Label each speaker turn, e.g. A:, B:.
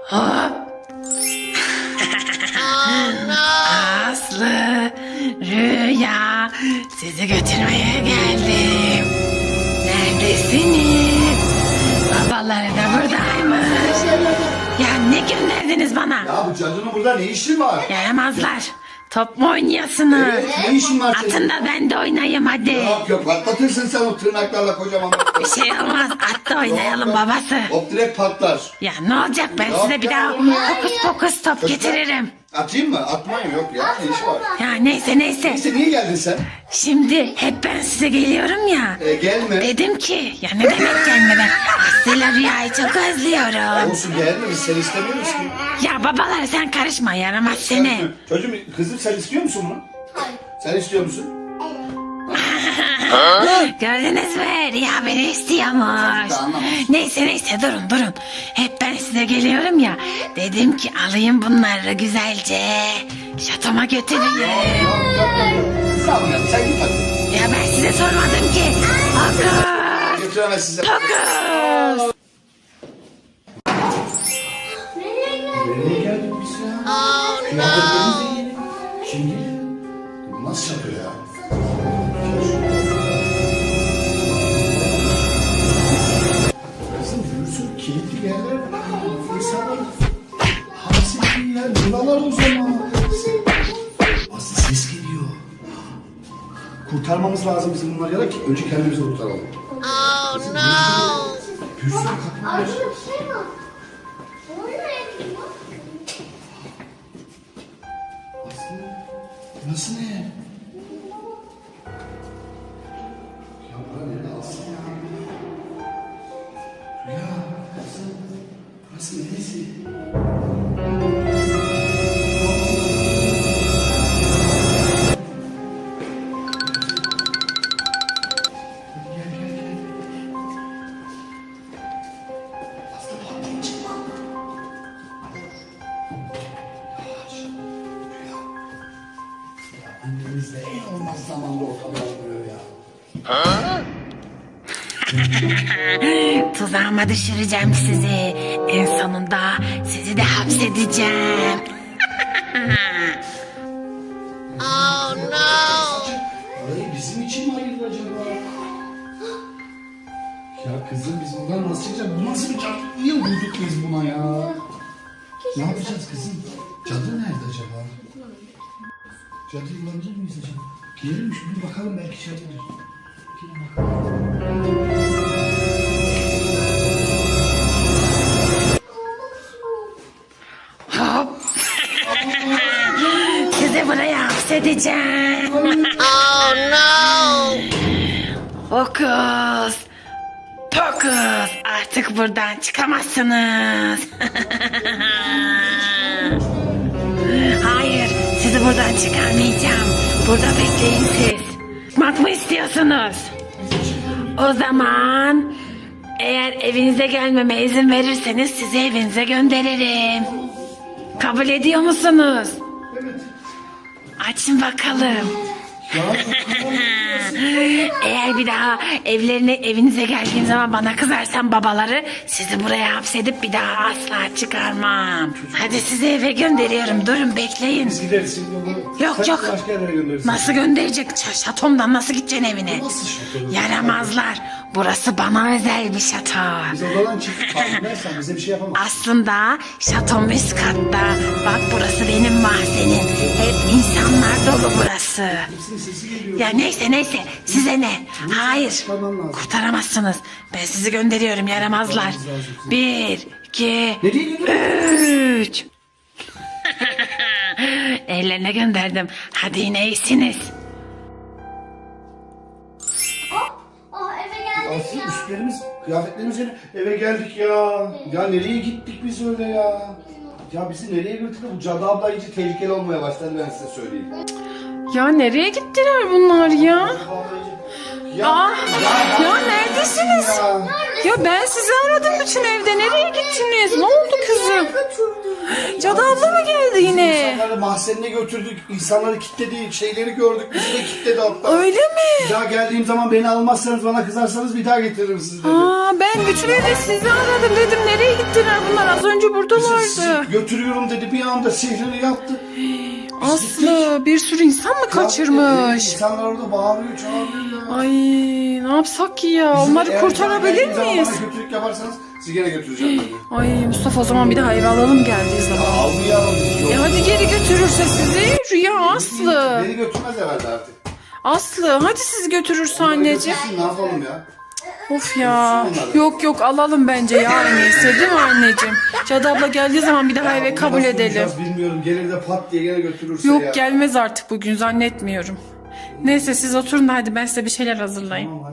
A: Hop. Aslı, Rüya, sizi götürmeye geldim. Neredesiniz? Babaları da buradaymış. Ya ne gönderdiniz bana?
B: Ya bu cadının burada ne işi var?
A: Yaramazlar. Top mu oynuyorsunuz?
B: Evet, ne işin var senin?
A: Atın da ben de oynayayım hadi.
B: Yok yok, patlatırsın sen o tırnaklarla kocaman.
A: Bir şey olmaz. At da oynayalım babası.
B: Hop direkt patlar.
A: Ya ne olacak, ben
B: Yok
A: size bir
B: ya,
A: daha
B: olmaz.
A: hokus pokus top getiririm.
B: Atayım mı? Atmayın, yok ya, ne işi var?
A: Ya neyse.
B: Neyse, niye geldin sen?
A: Şimdi hep ben size geliyorum ya.
B: Gelme.
A: Dedim ki ya ne demek gelmeden. Aslı'yla Rüya'yı çok özlüyorum.
B: Olsun, gelme, biz seni istemiyoruz ki.
A: Ya babalar sen karışma, yaramaz seni.
B: Çocuğum, kızım sen istiyor musun bunu?
C: Hayır.
B: Sen istiyor musun?
A: Gördünüz mü? Rüya beni istiyormuş.
B: Tamam.
A: Neyse durun. Hep ben size geliyorum ya. Dedim ki alayım bunları güzelce. Şatoma götüreyim.
B: Yok. Sağ ol ya, sen git hadi.
A: Ya ben size sormadım ki. Fokus.
B: Götüremez size.
A: Fokus.
B: Nereye geldik biz ya? Kıyafetlerimiz de yeni. Şimdi bu nasıl yapıyor ya? Kızım yürüsün, kilitli yerler var. İnsanlar hapsettiği yer buralar o zaman. Aslı ses geliyor. Kurtarmamız lazım bizim bunları ya da önce kendimizi kurtaralım.
C: Oh no.
B: Bir sürü kapı var.
C: Burada bir şey var. O ne?
B: Aslı, burası ne? Ya bura nerede Aslı ya? Rüya, Aslı, burası neresi? Gel. Aslı patlayın, çıkma. Yavaş, Rüya. Annemizle en olmaz zamanda ortada oluyor ya.
A: Tuzağıma düşüreceğim sizi. En sonunda sizi de hapsedeceğim.
C: Oh no.
B: Orayı bizim için mi ayırdı acaba? Ya kızım, biz buradan nasıl çıkacağız? Bu nasıl bir cadı? Niye vurduk biz buna ya? Ne yapacağız kızım? Cadı nerede acaba? Cadıyı bulabilir miyiz acaba? Girelim mi? Şunu bakalım, belki cadıdır. Girelim bakalım.
A: Hop. Sizi buraya hapsedeceğim.
C: Oh no.
A: Fokus. Fokus. Artık buradan çıkamazsınız. Hayır, sizi buradan çıkarmayacağım. Burada bekleyin siz. Çıkmak mı istiyorsunuz? O zaman eğer evinize gelmeme izin verirseniz sizi evinize gönderirim. Kabul ediyor musunuz?
B: Evet.
A: Açın bakalım.
B: Ya
A: Eğer bir daha evinize geldiğim zaman bana kızarsan babaları, sizi buraya hapsedip bir daha asla çıkarmam. Hadi sizi eve gönderiyorum. Durun bekleyin.
B: biz gideriz şimdi onu.
A: Yok.
B: Başka yerlere göndeririz.
A: Nasıl gönderecek? Şatomdan nasıl gideceksin evine?
B: Nasıl şato?
A: Yaramazlar. Burası bana özel bir şato.
B: Biz odadan çıktık. Farkındaysan bize bir şey yapamaz.
A: Aslında şatom üst katta. Bak burası benim mahzenim. Hep insanlar dolu burası.
B: Hepsinin sesi geliyor.
A: Ya neyse size ne? Hayır.
B: Kurtarman lazım.
A: Kurtaramazsınız. Ben sizi gönderiyorum yaramazlar.
B: Kurtarmamız lazım.
A: 1, 2,
B: Nereye gidiyorsun?
A: 3. Ellerine gönderdim. Hadi yine iyisiniz.
C: Oh eve geldik
B: Aslı
C: ya.
B: üstlerimiz, kıyafetlerimiz eve geldik ya. Ya nereye gittik biz öyle ya? Ya bizi nereye götürdü? Bu cadı abla iyice tehlikeli olmaya başladı, ben size söyleyeyim.
A: Ya nereye gittiler bunlar ya?
B: Cadı abla iyice...
A: Ya neredesiniz?
B: Ya.
A: Ya ben sizi aradım bütün evde. Nereye gittiniz? Ne oldu kızım? Cadı abla mı geldi yine?
B: İnsanları mahzenine götürdük. İnsanları kilitledi. Şeyleri gördük. Bizi de kilitledi hatta.
A: Öyle mi?
B: Bir daha geldiğim zaman beni almazsanız, bana kızarsanız bir daha getiririm sizi dedi.
A: Ben bütün evde sizi aradım dedim. Nereye gittiler bunlar? Az önce buradalardı.
B: Sizi götürüyorum dedi. Bir anda sihrini yaptı.
A: Aslı bir sürü insan mı kaçırmış?
B: İnsanlar orada bağırıyor, çağırıyor ya.
A: Ay ne yapsak ki ya? Onları
B: Eğer
A: kurtarabilir
B: geldiğim zaman
A: miyiz?
B: Bana kötülük yaparsanız sizi gene götüreceğim dedi.
A: Ay Mustafa o zaman bir daha eve alalım geldiği zaman.
B: Almayalım biz.
A: Hadi geri götürürse sizi. Rüya Aslı.
B: Beni götürmez herhalde artık.
A: Aslı hadi siz götürürse anneciğim.
B: Götürsün, ne yapalım ya?
A: Of ya. Yok alalım bence ya en iyisi değil mi anneciğim? Cadı abla geldiği zaman bir daha eve
B: Onu
A: kabul
B: nasıl
A: edelim.
B: bulacağız Bilmiyorum. Gelir de pat diye gene götürürse ya.
A: Yok gelmez artık bugün zannetmiyorum. Neyse siz oturun da hadi ben size bir şeyler hazırlayayım.
B: Tamam, hadi.